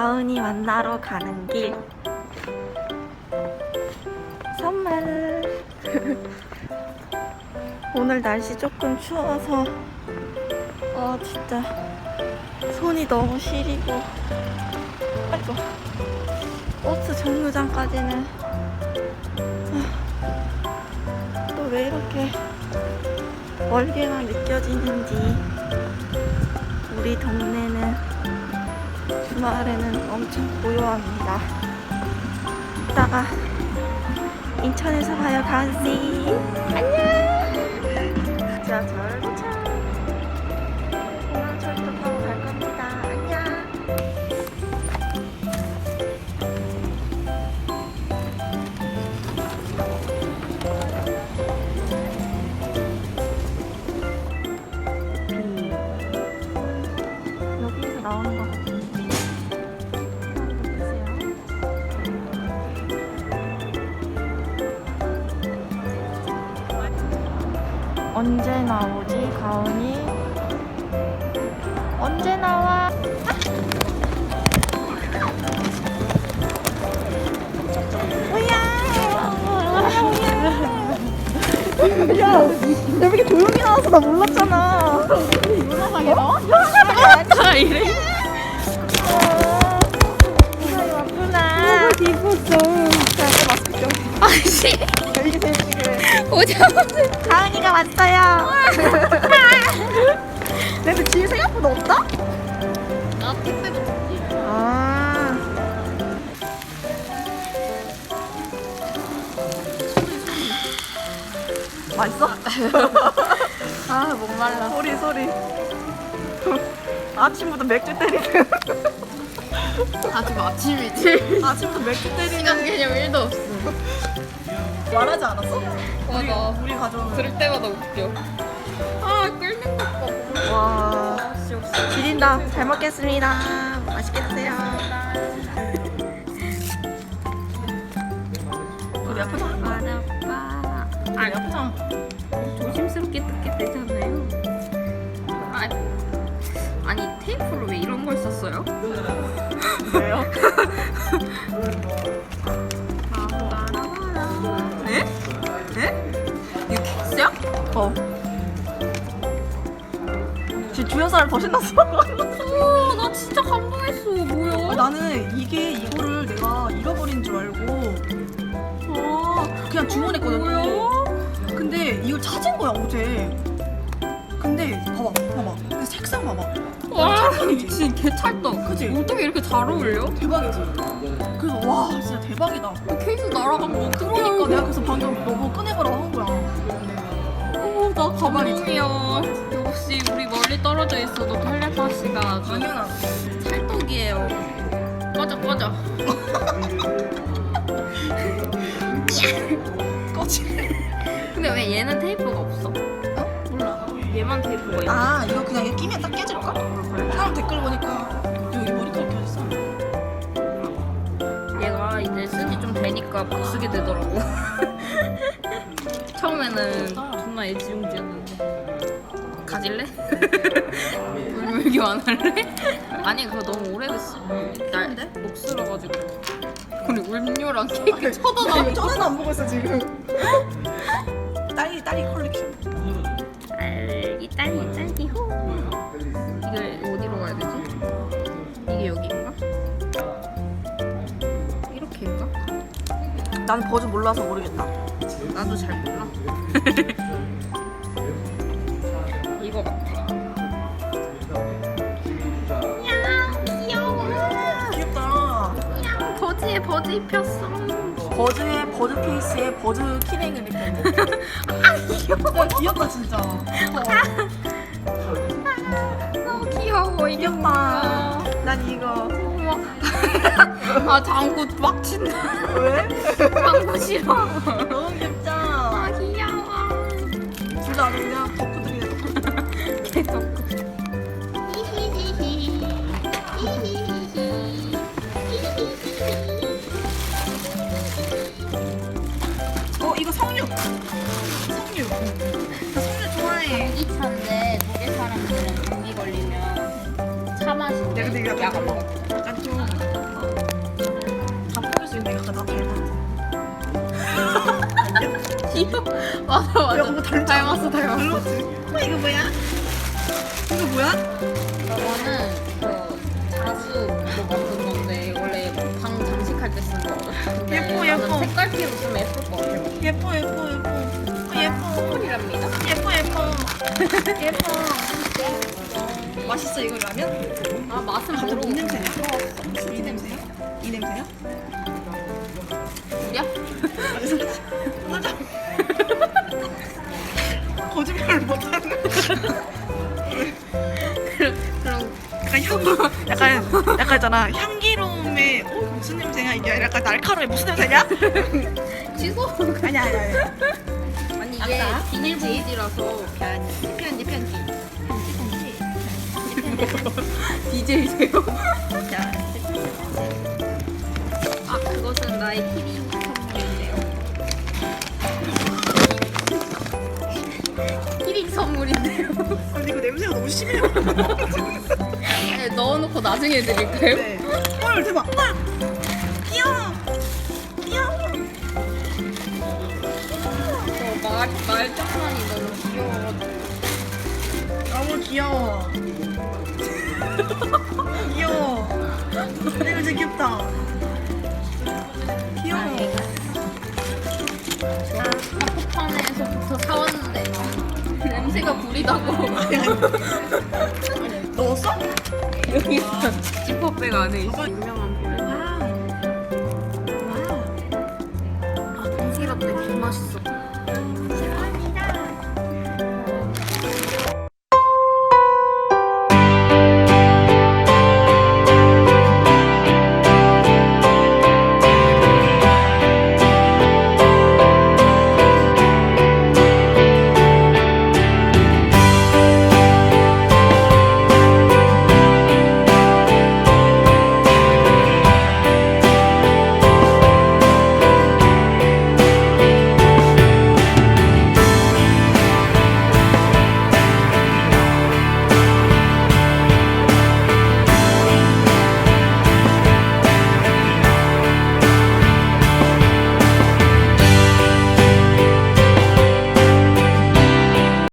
가은이 만나러 가는 길. 선물. 오늘 날씨 조금 추워서 진짜 손이 너무 시리고. 아이고, 버스 정류장까지는 또 왜 이렇게 멀게만 느껴지는지. 우리 동네는 주말에는 엄청 고요합니다. 이따가 인천에서 봐요, 가은씨. 안녕. 지하철 도착. 공항철도 타고 갈 겁니다. 안녕. 여기에서 나오는 것 같은데. 언제 나오지, 가은이? 언제 나와? 야, 왜 이렇게 조용히 나와서 나 몰랐잖아. 문화상에 나와? 다 이래. 이사이 왔구나. 너무 기뻤어. 자, 마스크 좀. 아씨. 이게 재밌지, 그래. 오자마자 가은이가 왔어요. 근데 뒤에 생각보다 없다? 나 택배 붙였지. 아. 맛있어? 아, 목말라. 소리. 아침부터 맥주 때리는. 아, 지금 아침이지? 아침부터 맥주 시간 때리는. 개념 1도 없어. 말하지 않았어? 맞아. 우리 가족. 들을 때마다 웃겨. 아, 끓는 것 봐. 와, 지린다. 잘 먹겠습니다. 맛있게 드세요. 우리 아프장. 아빠. 우리 아프장. 조심스럽게 뜯게 되잖아요. 아니, 테이프로 왜 이런 걸 썼어요? 왜요? 네? 네? 이거 킥스야? 지금 주연 사람 더 신났어. 오, 나 진짜 감동했어. 뭐야? 나는 이거를 내가 잃어버린 줄 알고 그냥 주문했거든. 뭐야? 근데 이걸 찾은 거야, 어제. 근데 봐봐. 근데 색상 봐봐. 와, 찰떡이지? 미친 개찰떡. 그치? 어떻게 이렇게 잘 어울려? 대박이지? 그래서 와, 진짜 대박이다. 케이스 날아간 거 그러니까 내가 그래서 방금 너무 꺼내보라고 한 거야. 나 감동이야. 역시 우리 멀리 떨어져 있어도 텔레파시가 아주 당연하지. 찰떡이에요. 꺼져. 꺼지. 근데 왜 얘는 테이프가 없어? 몰라. 얘만 테이프가 있어. 아, 이거 그냥 이렇게 끼면 딱 깨질까? 사람 댓글 보니까 여기 머리카락 껴졌어. 얘가 이제 쓴지 좀 되니까 막 쓰게 되더라고. 처음에는 존나 애지중지였는데. 가질래? 물물교 안 할래? 아니, 그거 너무 오래됐어. 목 쓸어가지고. 우리 울묘랑 케이크 쳐다나. 저는 안 보고 있어 지금. 딸이 컬렉션. 딸기 호. 이걸 어디로 가야 되지? 이게 여기인가? 이렇게인가? 난 버즈 몰라서 모르겠다. 나도 잘 몰라. 이거 같아. 야, 귀여워. 귀엽다. 버즈에 버즈 입혔어. 버즈의 버즈 케이스에 버즈 키링을 입혔네. 아, 귀여워. 야, 귀엽다 진짜. 너무 귀여워. 이게 귀엽다. 난 이거. 우와. 아, 장구 막 친다. 왜? 장구 싫어. 너무 귀엽다. 아, 귀여워. 둘 다 아주 그냥 덕후들이네. 계속. 이거 석류. 나 석류 좋아해. 감기차인데 독일 사람들은 감기 걸리면 차 마신대. 근데 이거 약 안 먹어. 약간 좀 귀여워. 맞아 맞아. 야, 뭐 닮았어. 닮았어. 이거 뭐야? 이거 뭐야? 저거는 그 자수 만든 건데 원래 방 장식할 때 쓴 거거든. 근데 예뻐, 나는 예뻐. 색깔피로 쓰면 예쁠 것 같아. 예뻐. 예뻐. 콜이랍니다. 예뻐. 맛있어 이거 라면? 아 맛은 갑자기 모르고 뭔 냄새야? 이 냄새야? 이 냄새야? 우리야? 맞아. 거짓말을 못하는. 그럼 약간 있잖아 향기로움에 무슨 냄새야 이게 약간 날카로워 무슨 냄새냐? 취소? 아니야. 아니 이게 아싸. 비닐봉지라서 편지. DJ세요? 야, 아 그것은 나의 키링 선물인데요. 키링 선물인데요. 근데 이거 냄새가 너무 심해요. 네, 넣어놓고 나중에 드릴까요? 네. 헐 대박. 헐. 귀여워. 말장난이 너무 귀여워가지고. 너무 귀여워. 귀여워. 이거 진짜 귀엽다. 귀여워. 카푸판에서부터 사왔는데 냄새가 구리다고. 넣었어? 여기 있어. 지퍼백 안에 있어. 유명한 브랜드. 와우. 아, 동시라떼 개 맛있어.